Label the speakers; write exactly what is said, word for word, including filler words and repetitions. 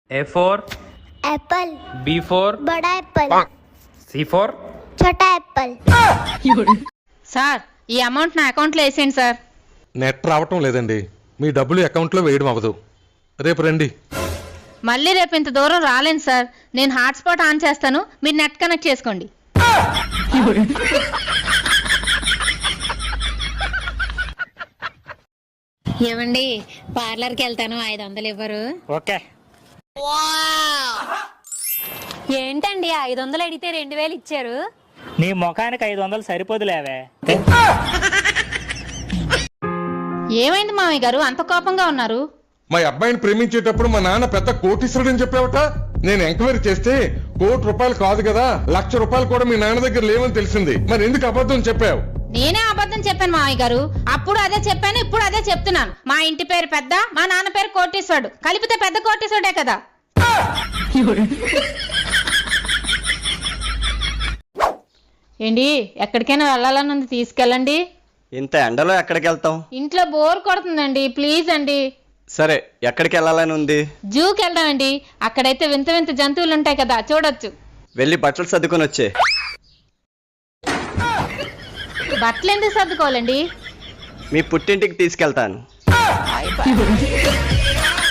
Speaker 1: A for
Speaker 2: apple,
Speaker 1: B for
Speaker 2: बड़ा apple,
Speaker 1: C for
Speaker 2: छोटा apple.
Speaker 3: Sir ఈ amount నా అకౌంట్లో వేసేయండి సార్.
Speaker 4: నెట్ రావటం లేదండి. మీ డబ్బులు అకౌంట్లో వేయడం అవ్వదు. రేపు రండి.
Speaker 3: మళ్ళీ రేపు ఇంత దూరం రాలేను సార్. నేను హాట్స్పాట్ ఆన్ చేస్తాను, మీరు నెట్ కనెక్ట్ చేసుకోండి.
Speaker 5: ఏమండి పార్లర్కి వెళ్తాను, ఐదు వందలు ఇవ్వరు?
Speaker 6: ఓకే.
Speaker 5: ఏంటండి ఐదు వందలు అడిగితే రెండు వేలు ఇచ్చారు?
Speaker 6: నీ ముఖానికి ఐదు వందలు సరిపోదులేవే.
Speaker 3: ఏమైంది మామయ్య గారు అంత కోపంగా ఉన్నారు?
Speaker 4: మా అబ్బాయిని ప్రేమించేటప్పుడు మా నాన్న పెద్ద కోటీశ్వరుడు అని చెప్పావట. నేను ఎంక్వైరీ చేస్తే కోటి రూపాయలు కాదు కదా, లక్ష రూపాయలు కూడా మీ నాన్న దగ్గర లేవని తెలిసింది. మరి ఎందుకు అబద్ధం చెప్పావు?
Speaker 3: నేనే అబద్ధం చెప్పాను మామయ్య గారు. అప్పుడు అదే చెప్పాను, ఇప్పుడు అదే చెప్తున్నాను. మా ఇంటి పేరు పెద్ద, మా నాన్న పేరు కోటీశ్వరుడు, కలిపితే పెద్ద కోటీశ్వరుడే కదా. ఏంటి ఎక్కడికైనా వెళ్ళాలని ఉంది, తీసుకెళ్ళండి.
Speaker 7: ఇంత ఎండలో ఎక్కడికి వెళ్తాం?
Speaker 3: ఇంట్లో బోర్ కొడుతుందండి, ప్లీజ్ అండి.
Speaker 7: సరే, ఎక్కడికి వెళ్ళాలని ఉంది?
Speaker 3: జూకి వెళ్దామండి. అక్కడైతే వింత వింత జంతువులు ఉంటాయి కదా, చూడొచ్చు.
Speaker 7: వెళ్ళి బట్టలు సర్దుకొని వచ్చే.
Speaker 3: బట్టలు ఎందుకు సర్దుకోవాలండి?
Speaker 7: మీ పుట్టింటికి తీసుకెళ్తాను.